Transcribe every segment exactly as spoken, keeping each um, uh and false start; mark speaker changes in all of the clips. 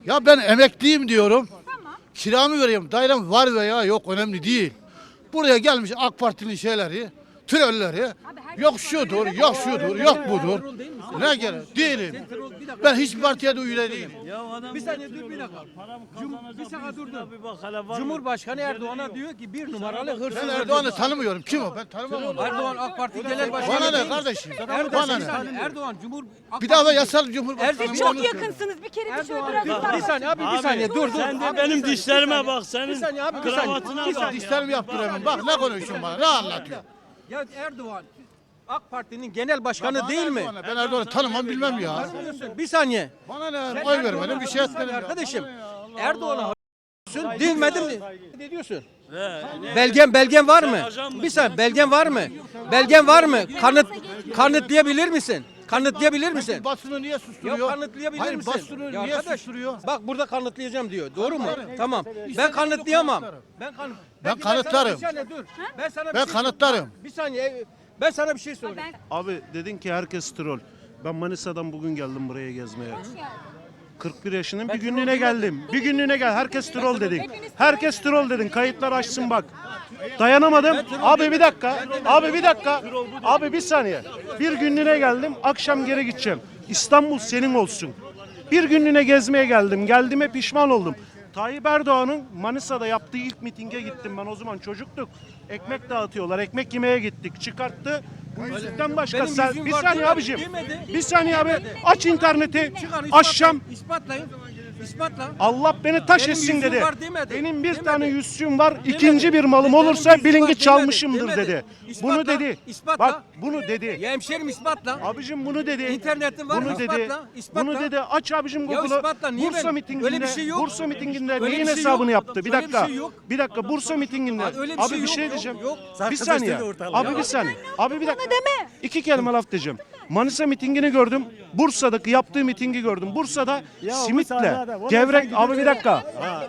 Speaker 1: Ya ben emekliyim diyorum.
Speaker 2: Tamam.
Speaker 1: Kiramı veriyorum. Dairem var veya yok önemli değil. Buraya gelmiş AK Parti'nin şeyleri, trolleri. Yok şudur, yok şudur, yok budur. Ne gerek? Değilim. Ben hiçbir partiye de üye değilim.
Speaker 3: Bir saniye dur bir dakika. Cum bir saniye dur dur. Cumhurbaşkanı Erdoğan'a diyor ki bir numaralı hırsız.
Speaker 1: Ben Erdoğan'ı tanımıyorum. Kim o? Ben tanımam onu.
Speaker 3: Erdoğan AK Parti Genel Başkanı.
Speaker 1: Bana ne
Speaker 3: değil mi?
Speaker 1: kardeşim?
Speaker 3: Erdoğan,
Speaker 1: Bana
Speaker 3: bir
Speaker 1: ne?
Speaker 3: saniye, Erdoğan Cumhur AK
Speaker 1: Bir daha da
Speaker 3: Parti-
Speaker 1: yasal cumhurbaşkanı.
Speaker 3: Erdoğan-
Speaker 2: Çok yakınsınız. Bir kere bir şöyle
Speaker 3: Erdoğan,
Speaker 2: biraz
Speaker 3: bir saniye abi bir
Speaker 4: Abi,
Speaker 3: saniye dur dur.
Speaker 4: Sen de
Speaker 3: Abi,
Speaker 4: benim
Speaker 3: bir saniye,
Speaker 4: dişlerime
Speaker 3: bir saniye.
Speaker 4: bak, senin
Speaker 3: Bir saniye abi bir saniye.
Speaker 4: kravatına
Speaker 3: Bir
Speaker 4: bak.
Speaker 3: saniye.
Speaker 1: Dişlerimi yaptıramam. Bak ne konuşuyorsun bana? Ne anlatıyorsun?
Speaker 3: Ya Erdoğan AK Parti'nin genel başkanı değil mi?
Speaker 1: Erdoğan'ı- Ben Erdoğan'ı tanımam bilmem ya.
Speaker 3: Bir saniye.
Speaker 1: Bana ne?
Speaker 3: Sen
Speaker 1: Oy
Speaker 3: Erdoğan'a
Speaker 1: vermedim bir şey
Speaker 3: bir saniye
Speaker 1: etmedim ya.
Speaker 3: Arkadaşım
Speaker 1: Bana ne ya? Allah
Speaker 3: Erdoğan'a
Speaker 1: Allah.
Speaker 3: diyorsun, dinmedin mi? Ne diyorsun?
Speaker 4: He, ne?
Speaker 3: Belgen belgen var mı?
Speaker 4: ajan mısın?
Speaker 3: Bir saniye belgen var mı? Belgen var mı? Kanıt kanıtlayabilir misin? Kanıtlayabilir misin?
Speaker 1: Basını niye susturuyor?
Speaker 3: Ya kanıtlayabilir
Speaker 1: Hayır,
Speaker 3: misin?
Speaker 1: basını
Speaker 3: Ya
Speaker 1: niye
Speaker 3: arkadaş,
Speaker 1: susturuyor?
Speaker 3: Bak burada kanıtlayacağım diyor. Doğru mu?
Speaker 1: Kanıtlarım.
Speaker 3: Tamam.
Speaker 1: İstediğim
Speaker 3: Ben
Speaker 1: gibi
Speaker 3: kanıtlayamam.
Speaker 1: kanıtlarım.
Speaker 3: Ben kanıt.
Speaker 1: Ben
Speaker 3: Peki, sana
Speaker 1: kanıtlarım.
Speaker 3: bir saniye dur. Ben sana bir
Speaker 1: Ben
Speaker 3: şey
Speaker 1: kanıtlarım.
Speaker 3: Bir saniye. Ben sana bir şey sorayım.
Speaker 2: Ben
Speaker 5: Abi dedin ki herkes troll. Ben Manisa'dan bugün geldim buraya gezmeye. kırk bir yaşının bir günlüğüne geldim. Bir günlüğüne gel. Herkes troll dedin. Herkes troll dedin. Kayıtlar açsın bak. Dayanamadım. Abi bir dakika. Abi bir dakika. Abi bir saniye. Bir günlüğüne geldim. Akşam geri gideceğim. İstanbul senin olsun. Bir günlüğüne gezmeye geldim. Geldiğime pişman oldum. Tayyip Erdoğan'ın Manisa'da yaptığı ilk mitinge gittim ben. O zaman çocuktuk. Ekmek dağıtıyorlar. Ekmek yemeye gittik. Çıkarttı. Bu yüzükten başka
Speaker 3: Benim
Speaker 5: sen
Speaker 3: yüzüğüm
Speaker 5: bir
Speaker 3: var
Speaker 5: saniye
Speaker 3: demedi,
Speaker 5: abicim.
Speaker 3: demedi.
Speaker 5: Bir saniye abi. Aç interneti.
Speaker 3: Çıkar,
Speaker 5: Aşacağım.
Speaker 3: İspatlayın. İspatla.
Speaker 5: Allah beni taş
Speaker 3: Benim
Speaker 5: etsin
Speaker 3: yüzüğüm
Speaker 5: dedi.
Speaker 3: var demedi.
Speaker 5: Benim bir
Speaker 3: Demedi.
Speaker 5: tane yüzüğüm var.
Speaker 3: Demedi.
Speaker 5: İkinci bir malım
Speaker 3: Benim
Speaker 5: olursa
Speaker 3: yüzüğüm
Speaker 5: bilin
Speaker 3: var
Speaker 5: ki
Speaker 3: demedi.
Speaker 5: çalmışımdır
Speaker 3: Demedi.
Speaker 5: dedi.
Speaker 3: İspatla,
Speaker 5: Bunu dedi.
Speaker 3: ispatla.
Speaker 5: Bak bunu dedi.
Speaker 3: Ya hemşerim ispatla.
Speaker 5: Abicim bunu dedi.
Speaker 3: İnternetin var,
Speaker 5: Bunu
Speaker 3: ispatla,
Speaker 5: dedi.
Speaker 3: ispatla.
Speaker 5: Bunu dedi. Aç abicim
Speaker 3: Ya
Speaker 5: Google'ı.
Speaker 3: ispatla, niye
Speaker 5: Bursa
Speaker 3: ben-
Speaker 5: mitinginde.
Speaker 3: öyle bir şey yok.
Speaker 5: Bursa mitinginde
Speaker 3: Öyle
Speaker 5: neyin
Speaker 3: bir şey
Speaker 5: hesabını
Speaker 3: yok.
Speaker 5: yaptı? Bir
Speaker 3: Öyle bir
Speaker 5: dakika.
Speaker 3: şey yok.
Speaker 5: Bir dakika Bursa mitinginde.
Speaker 3: Abi öyle bir
Speaker 5: Abi
Speaker 3: şey
Speaker 5: bir
Speaker 3: yok,
Speaker 5: şey
Speaker 3: yok,
Speaker 5: diyeceğim.
Speaker 3: yok.
Speaker 5: Bir saniye. Abi bir saniye. Abi bir dakika.
Speaker 2: deme.
Speaker 5: İki kelime laf diyeceğim. Manisa mitingini gördüm. Bursa'daki yaptığı mitingi gördüm. Bursa'da simitle, gevrek, abi bir dakika.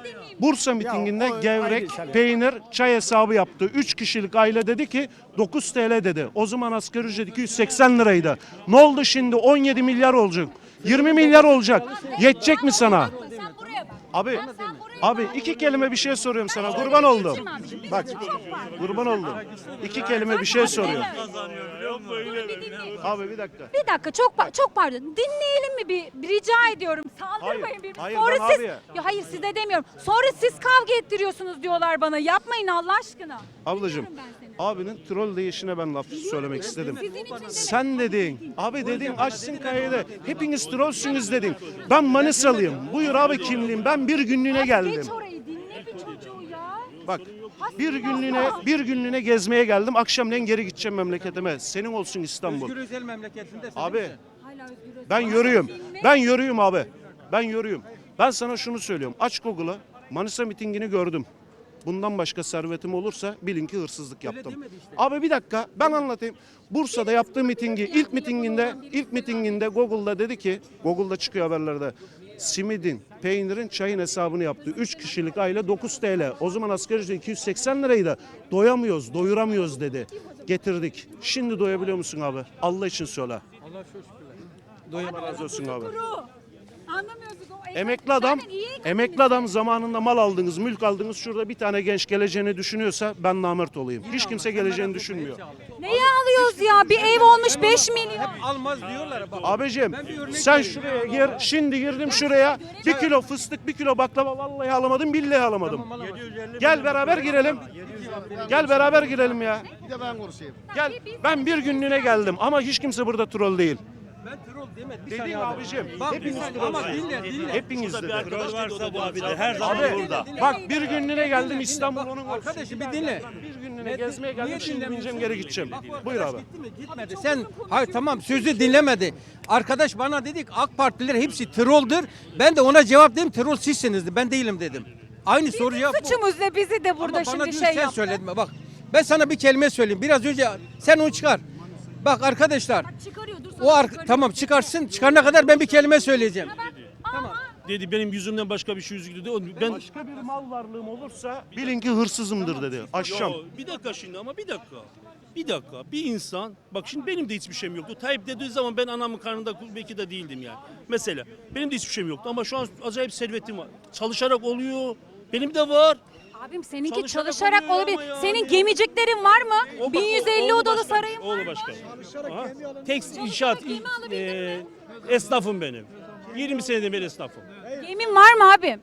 Speaker 5: Bursa mitinginde gevrek, peynir, çay hesabı yaptı. Üç kişilik aile dedi ki dokuz T L dedi. O zaman asgari ücret iki yüz seksen liraydı. Ne oldu şimdi? on yedi milyar olacak. yirmi milyar olacak. Yetecek mi sana?
Speaker 2: Sen buraya bak.
Speaker 5: Abi,
Speaker 2: Sen buraya
Speaker 5: abi iki kelime bir şey soruyorum sana. Kurban oldum.
Speaker 2: Bak.
Speaker 5: Bak, kurban oldum. İki kelime bir şey soruyorum. Abi bir dakika.
Speaker 2: Bir dakika çok pa- çok pardon. Dinleyelim mi bir, bir rica ediyorum. Saldırmayın
Speaker 5: Hayır,
Speaker 2: birbirinize.
Speaker 5: hayır,
Speaker 2: Sonra
Speaker 5: ben
Speaker 2: siz
Speaker 5: abi-
Speaker 2: ya hayır size demiyorum. Sonra siz kavga ettiriyorsunuz diyorlar bana. Yapmayın Allah aşkına.
Speaker 5: Ablacığım,
Speaker 2: Dinliyorum ben seni.
Speaker 5: abinin troll deyişine ben laf söylemek istedim.
Speaker 2: Sizin için demek.
Speaker 5: Sen dedin, abi dedin açsın kaydı. Hepiniz trollsünüz dedin. Ben Manisalıyım. Buyur abi kimliğim. Ben bir günlüğüne
Speaker 2: Abi
Speaker 5: geldim.
Speaker 2: Geç orayı dinle bir çocuğu ya.
Speaker 5: Bak, bir günlüğüne bir günlüğüne gezmeye geldim. Akşamleyin geri gideceğim memleketime. Senin olsun İstanbul.
Speaker 3: Özgür Özel memleketinde.
Speaker 5: Abi
Speaker 2: Hala Özgür Özel.
Speaker 5: ben yürüyüm. Ben yürüyüm abi. Ben yürüyüm. Ben sana şunu söylüyorum. Aç Google'ı. Manisa mitingini gördüm. Bundan başka servetim olursa bilin ki hırsızlık yaptım.
Speaker 3: demedi işte.
Speaker 5: Abi bir dakika ben anlatayım. Bursa'da yaptığı mitingi ilk mitinginde ilk mitinginde Google'da dedi ki Google'da çıkıyor haberlerde. Simidin, peynirin, çayın hesabını yaptı. üç kişilik aile dokuz T L. O zaman asgari ücret iki yüz seksen liraydı. Doyamıyoruz, doyuramıyoruz dedi. Getirdik. Şimdi doyabiliyor musun abi? Allah için söyle.
Speaker 3: Allah çok şükürler.
Speaker 5: Doyamaz razı olsun abi.
Speaker 2: Kuru. Anlamıyorsunuz o ev-
Speaker 5: Emekli adam,
Speaker 2: Zaten iyi
Speaker 5: emekli adam zamanında mal aldınız, mülk aldınız. Şurada bir tane genç geleceğini düşünüyorsa ben namert olayım. Hiç kimse geleceğini düşünmüyor.
Speaker 2: Neyi alıyoruz ya? Bir ev olmuş beş milyon.
Speaker 3: Almaz diyorlar. Bak.
Speaker 5: Abicim
Speaker 3: Ben bir örnek
Speaker 5: sen
Speaker 3: vereyim.
Speaker 5: şuraya gir, şimdi girdim şuraya. Bir kilo fıstık, bir kilo baklava vallahi alamadım, billahi alamadım. Gel beraber girelim. Gel beraber girelim ya.
Speaker 1: Bir de ben konuşayım.
Speaker 5: Gel. Ben bir günlüğüne geldim ama hiç kimse burada troll değil.
Speaker 3: Ben troll demedim. Bir
Speaker 5: Dedin
Speaker 3: saniye
Speaker 5: abicim.
Speaker 3: Bak bir
Speaker 5: Hepiniz
Speaker 3: saniye ama dinle dinle.
Speaker 5: Hepiniz
Speaker 4: Bir
Speaker 5: dedi.
Speaker 4: arkadaş varsa bu abi de her zaman
Speaker 5: Abi
Speaker 4: burada.
Speaker 5: bak bir günlüğüne geldim
Speaker 3: Dinle,
Speaker 5: İstanbul
Speaker 3: dinle.
Speaker 5: onun
Speaker 3: Bak,
Speaker 5: olsun.
Speaker 3: arkadaşım bir dinle.
Speaker 5: Bir günlüğüne
Speaker 3: Ne-
Speaker 5: gezmeye
Speaker 3: niye
Speaker 5: geldim şimdi
Speaker 3: dinlemiyorsun?
Speaker 5: bineceğim geri gideceğim.
Speaker 3: Bak bu
Speaker 5: Buyur
Speaker 3: arkadaş
Speaker 5: abi.
Speaker 3: gitti mi? Gitmedi. Sen hayır tamam sözü dinlemedi. Arkadaş bana dedik AK Partililer hepsi trolldur. Ben de ona cevap dedim troll sizsiniz. Ben değilim dedim. Aynı soru cevap bu.
Speaker 2: Suçumuz ne? Bizi de burada
Speaker 3: Ama bana
Speaker 2: şimdi
Speaker 3: diyor,
Speaker 2: şey
Speaker 3: sen
Speaker 2: yaptı.
Speaker 3: söyledin. Bak ben sana bir kelime söyleyeyim. Biraz önce sen onu çıkar. Bak arkadaşlar
Speaker 2: Çıkarıyor dur
Speaker 3: o ar tamam çıkarsın. Çıkarana kadar ben bir kelime söyleyeceğim.
Speaker 2: Tamam.
Speaker 4: Dedi benim yüzümden başka bir şey yüzü dedi. O- Ben
Speaker 5: Başka bir mal varlığım olursa bilin ki hırsızımdır dedi. Aşşam.
Speaker 4: Ya, bir dakika şimdi ama bir dakika. Bir dakika, bir insan, bak şimdi benim de hiçbir şeyim yoktu. Tayyip dediği zaman ben anamın karnında belki de değildim yani. Mesela benim de hiçbir şeyim yoktu ama şu an acayip servetim var. Çalışarak oluyor. Benim de var.
Speaker 2: Abim seninki
Speaker 4: Çalışarak
Speaker 2: çalışarak
Speaker 4: oluyor
Speaker 2: olabilir.
Speaker 4: ama ya.
Speaker 2: Senin gemiciklerin var mı?
Speaker 4: O bak,
Speaker 2: bin yüz
Speaker 4: o-
Speaker 2: elli
Speaker 4: oğlu
Speaker 2: odalı
Speaker 4: başkan,
Speaker 2: sarayın var
Speaker 4: Oğlu
Speaker 2: mı?
Speaker 4: başkan. Aha. Tek inşaat
Speaker 2: gemi alabildin
Speaker 4: e,
Speaker 2: mi?
Speaker 4: esnafım benim. yirmi seneden beri esnafım.
Speaker 2: Gemin var mı abim?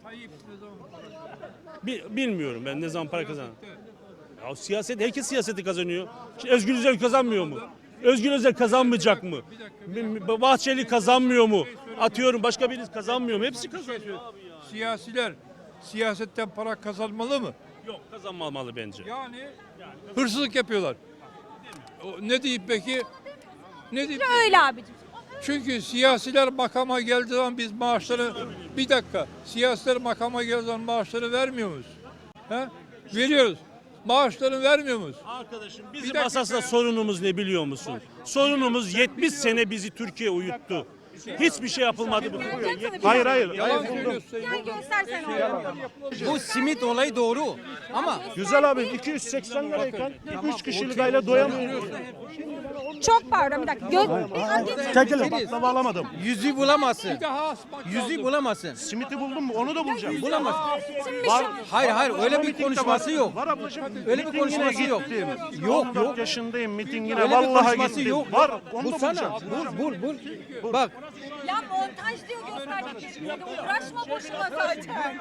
Speaker 4: Bi- Bilmiyorum ben ne zaman para kazanan. Ya siyaset, herkes siyaseti kazanıyor. Şimdi Özgür Özel kazanmıyor mu? Özgür Özel kazanmayacak mı? B- B- Bahçeli kazanmıyor mu? Atıyorum başka birisi kazanmıyor mu? Hepsi kazanıyor.
Speaker 6: Siyasiler siyasetten para kazanmalı mı?
Speaker 4: Yok kazanmamalı bence.
Speaker 6: Yani hırsızlık yapıyorlar. O, ne diyeyim peki? Ne diyeyim?
Speaker 2: Öyle abicim.
Speaker 6: Çünkü siyasiler makama geldiği zaman biz maaşları bir dakika siyasiler makama geldiği zaman maaşları vermiyor muyuz? He? Veriyoruz. Maaşlarını vermiyor muyuz?
Speaker 4: Arkadaşım bizim
Speaker 6: dakika.
Speaker 4: asasında sorunumuz ne biliyor musun? Sorunumuz yetmiş sene bizi Türkiye uyuttu. Hiçbir şey yapılmadı bu Türkiye.
Speaker 2: Gel sana bir
Speaker 5: Hayır
Speaker 2: şey-
Speaker 5: hayır.
Speaker 6: Yalan
Speaker 5: hayır.
Speaker 6: söylüyorsun.
Speaker 2: Gel göstersene onu.
Speaker 3: Bu simit olayı doğru. Ama
Speaker 5: Güzel abi iki yüz seksen lirayken üç kişilik aile doyamıyor.
Speaker 2: Çok pardon bir dakika. Gö- Bir al geç.
Speaker 5: Çekilin baklava alamadım.
Speaker 3: yüzü bulamazsın.
Speaker 6: Bir daha asmak
Speaker 3: Yüzü
Speaker 6: lazım.
Speaker 3: bulamazsın.
Speaker 5: Simiti buldum mu onu da bulacağım.
Speaker 3: Bulamazsın.
Speaker 2: Şimdi
Speaker 5: Var.
Speaker 2: şu-
Speaker 3: Hayır hayır öyle bir konuşması yok.
Speaker 5: Var ablacığım.
Speaker 3: Öyle bir
Speaker 5: Mitingine
Speaker 3: konuşması yok.
Speaker 5: gittim.
Speaker 3: Yok,
Speaker 5: on dört
Speaker 3: yok.
Speaker 5: yaşındayım mitingine
Speaker 3: Öyle bir
Speaker 5: vallahi
Speaker 3: konuşması
Speaker 5: gittim.
Speaker 3: yok.
Speaker 5: Var onu da
Speaker 3: Bulsana.
Speaker 5: bulacağım.
Speaker 3: Bul bul bul. Bak
Speaker 2: Ya montaj diyor gösterdiklerinde de uğraşma boşuna zaten.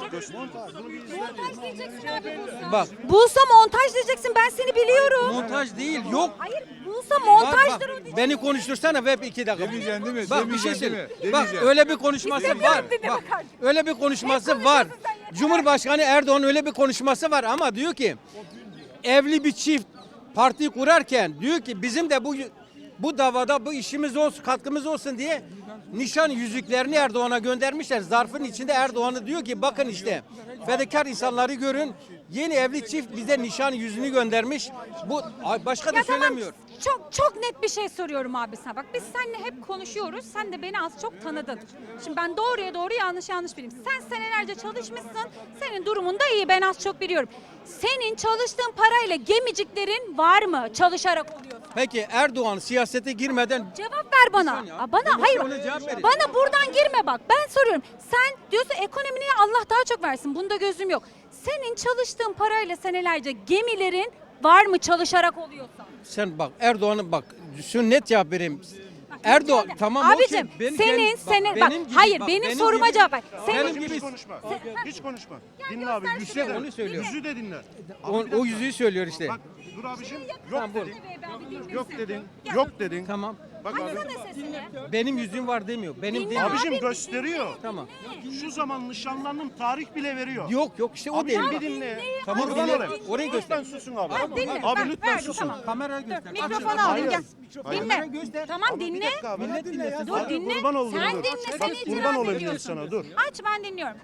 Speaker 2: Montaj diyeceksin abi bulsa.
Speaker 3: bak.
Speaker 2: Bulsa montaj diyeceksin ben seni biliyorum.
Speaker 3: Montaj değil yok.
Speaker 2: Hayır bulsa
Speaker 3: Bak,
Speaker 2: montajdır o
Speaker 3: bak,
Speaker 2: diyeceksin.
Speaker 3: beni konuştursana web iki dakika.
Speaker 6: Demeyeceksin değil mi?
Speaker 3: Bak bir şey
Speaker 6: Demeyeceksin
Speaker 3: söyle.
Speaker 6: değil mi?
Speaker 3: Bak
Speaker 6: Demeyeceksin.
Speaker 3: öyle bir konuşması
Speaker 2: İstemiyorum
Speaker 3: var.
Speaker 2: dinleme
Speaker 3: Bak
Speaker 2: kardeşim.
Speaker 3: öyle bir konuşması
Speaker 2: Ne
Speaker 3: var.
Speaker 2: konuşuyorsun sen yeter.
Speaker 3: Cumhurbaşkanı Erdoğan öyle bir konuşması var ama diyor ki evli bir çift parti kurarken diyor ki bizim de bu bu davada bu işimiz olsun, katkımız olsun diye nişan yüzüklerini Erdoğan'a göndermişler. Zarfın içinde Erdoğan'ı diyor ki bakın işte fedakar insanları görün. Yeni evli çift bize nişan yüzüğünü göndermiş. Bu ay, başka da
Speaker 2: Ya tamam
Speaker 3: söylemiyor.
Speaker 2: çok çok net bir şey soruyorum abi sana. Bak biz seninle hep konuşuyoruz. Sen de beni az çok tanıdın. Şimdi ben doğruya doğru yanlış yanlış bileyim. Sen senelerce çalışmışsın. Senin durumun da iyi ben az çok biliyorum. Senin çalıştığın parayla gemiciklerin var mı? Çalışarak oluyorsa.
Speaker 3: Peki Erdoğan siyasete girmeden
Speaker 2: Cevap ver bana.
Speaker 3: saniye abi.
Speaker 2: Aa, bana
Speaker 3: Ben
Speaker 2: hayır.
Speaker 3: ona cevap vereyim.
Speaker 2: Bana buradan girme bak. Ben soruyorum. Sen diyorsun ekonomiye Allah daha çok versin. Bunda gözüm yok. Senin çalıştığın parayla senelerce gemilerin var mı çalışarak oluyorsa?
Speaker 3: sen bak Erdoğan'ın bak şu net cevap vereyim. Erdoğan
Speaker 2: Müsaade.
Speaker 3: tamam
Speaker 2: Abicim
Speaker 3: okey. Ben-
Speaker 2: senin
Speaker 3: ben-
Speaker 2: senin bak,
Speaker 3: benim gibi-
Speaker 2: hayır
Speaker 3: bak,
Speaker 2: benim, soruma
Speaker 3: gibi-
Speaker 2: cevap ver. Senin
Speaker 3: benim
Speaker 5: Hiç
Speaker 3: gibi
Speaker 5: konuşma.
Speaker 2: Sen-
Speaker 5: Hiç konuşma.
Speaker 2: Ya
Speaker 5: Dinle abi.
Speaker 2: göster
Speaker 5: Yüzü
Speaker 2: şuraya.
Speaker 5: de,
Speaker 3: Onu söylüyor.
Speaker 5: yüzü de dinle.
Speaker 3: o, o yüzüğü söylüyor işte.
Speaker 5: Bak dur abicim. Yok
Speaker 3: Tamam, bul.
Speaker 5: dedin. Yok dedin. Yok dedin.
Speaker 3: Tamam.
Speaker 5: Bak abi.
Speaker 2: Açsana sesini.
Speaker 3: Benim yüzüğüm var demiyor. Benim
Speaker 2: Dinle
Speaker 3: demiyor.
Speaker 5: Abicim
Speaker 2: Abi,
Speaker 5: gösteriyor.
Speaker 3: Tamam.
Speaker 5: Şu zaman nişanlandım tarih bile veriyor.
Speaker 3: Yok yok işte o değil.
Speaker 5: Abicim
Speaker 3: Bak.
Speaker 5: bir dinle.
Speaker 3: Tamam,
Speaker 5: Kurban
Speaker 3: dinle.
Speaker 5: olayım.
Speaker 3: Orayı göster.
Speaker 5: Lütfen susun abi.
Speaker 2: Ha, dinle.
Speaker 5: Abi
Speaker 2: Ver,
Speaker 5: lütfen
Speaker 2: ver,
Speaker 5: susun.
Speaker 2: tamam.
Speaker 3: Kamerayı göster.
Speaker 2: Mikrofonu
Speaker 3: Açın.
Speaker 2: al gel.
Speaker 5: Hayır.
Speaker 2: Dinle.
Speaker 3: göster.
Speaker 2: Tamam
Speaker 5: Bir
Speaker 2: dinle.
Speaker 5: dakika abi.
Speaker 3: Millet dinlesin.
Speaker 2: Dur dinle.
Speaker 5: Kurban oldum
Speaker 2: Sen
Speaker 5: dur.
Speaker 2: dinle
Speaker 5: Bak
Speaker 2: seni
Speaker 5: kurban
Speaker 2: itiraz
Speaker 5: olayım
Speaker 2: ediyorsun.
Speaker 5: sana dur.
Speaker 2: Aç ben dinliyorum.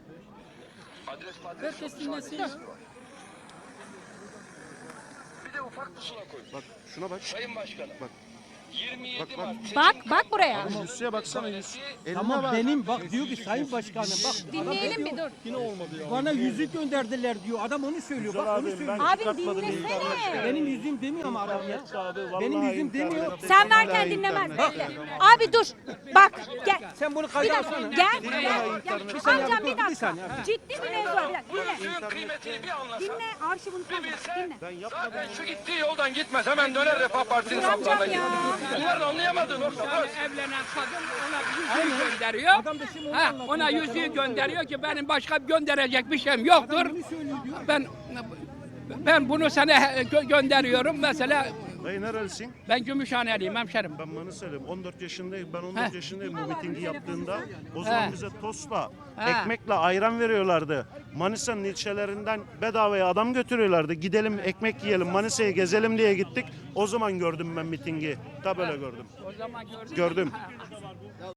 Speaker 5: Bak şuna bak.
Speaker 7: Sayın Başkanım.
Speaker 5: Bak.
Speaker 7: yirmi
Speaker 5: Bak,
Speaker 7: yedi
Speaker 5: bak.
Speaker 7: Mart
Speaker 2: Bak bak buraya.
Speaker 5: Yüzüğe baksana yüz. Eline
Speaker 3: Tamam
Speaker 5: bak.
Speaker 3: benim bak diyor ki Sayın Başkanım bak
Speaker 2: Dinleyelim bir dur.
Speaker 3: bana yüzük gönderdiler diyor. Adam onu söylüyor. Bak onu
Speaker 5: Abim,
Speaker 3: söylüyor.
Speaker 5: ben
Speaker 2: Abi
Speaker 5: çıkartmadım
Speaker 2: dinlesene.
Speaker 5: internette.
Speaker 3: Benim yüzüğüm demiyor ama adam ya.
Speaker 5: Abi, vallahi
Speaker 3: Benim yüzüğüm demiyor.
Speaker 5: internette.
Speaker 2: Sen verken
Speaker 5: Vallahi
Speaker 2: dinlemez.
Speaker 5: internette.
Speaker 2: Bekle. Abi dur. Bak gel.
Speaker 3: Sen bunu
Speaker 2: Bir
Speaker 3: kayda
Speaker 2: dakika
Speaker 3: alsana.
Speaker 2: gel.
Speaker 5: Vallahi
Speaker 2: Gel.
Speaker 5: internette.
Speaker 2: Gel.
Speaker 3: saniye
Speaker 2: Amcam
Speaker 3: abi,
Speaker 2: bir
Speaker 3: dur, bir
Speaker 2: dakika.
Speaker 3: saniye abi.
Speaker 2: Ciddi bir mevzu var. Bir dakika. Dinle.
Speaker 7: Suyun kıymetini bir anlasa.
Speaker 2: Dinle. Arşivini
Speaker 7: Bir
Speaker 2: tanı.
Speaker 7: bilse
Speaker 2: Dinle.
Speaker 5: Ben yapmadım.
Speaker 7: zaten şu gittiği yoldan gitmez. Hemen döner Refah Partisi'nin
Speaker 2: Dur amcam
Speaker 7: saflarına
Speaker 2: ya.
Speaker 7: girer. Bunların anlayamadığı nokta bu.
Speaker 8: Evlenen kadın ona yüzüğü gönderiyor. Ha, ona yüzüğü gönderiyor ki benim başka gönderecek bir şeyim yoktur. Ben ben bunu sana gö- gönderiyorum. Mesela
Speaker 5: Dayı nerelisin?
Speaker 8: ben Gümüşhaneliyim hemşerim.
Speaker 5: Ben Manisa'lıyım. on dört yaşındayım. Ben on dört
Speaker 8: He.
Speaker 5: yaşındayım bu mitingi yaptığında. O zaman
Speaker 8: He.
Speaker 5: bize tostla,
Speaker 8: He.
Speaker 5: ekmekle ayran veriyorlardı. Manisa'nın ilçelerinden bedavaya adam götürüyorlardı. Gidelim ekmek yiyelim, Manisa'yı gezelim diye gittik. O zaman gördüm ben mitingi. Da böyle gördüm.
Speaker 8: O zaman gördün mü?
Speaker 5: Gördüm.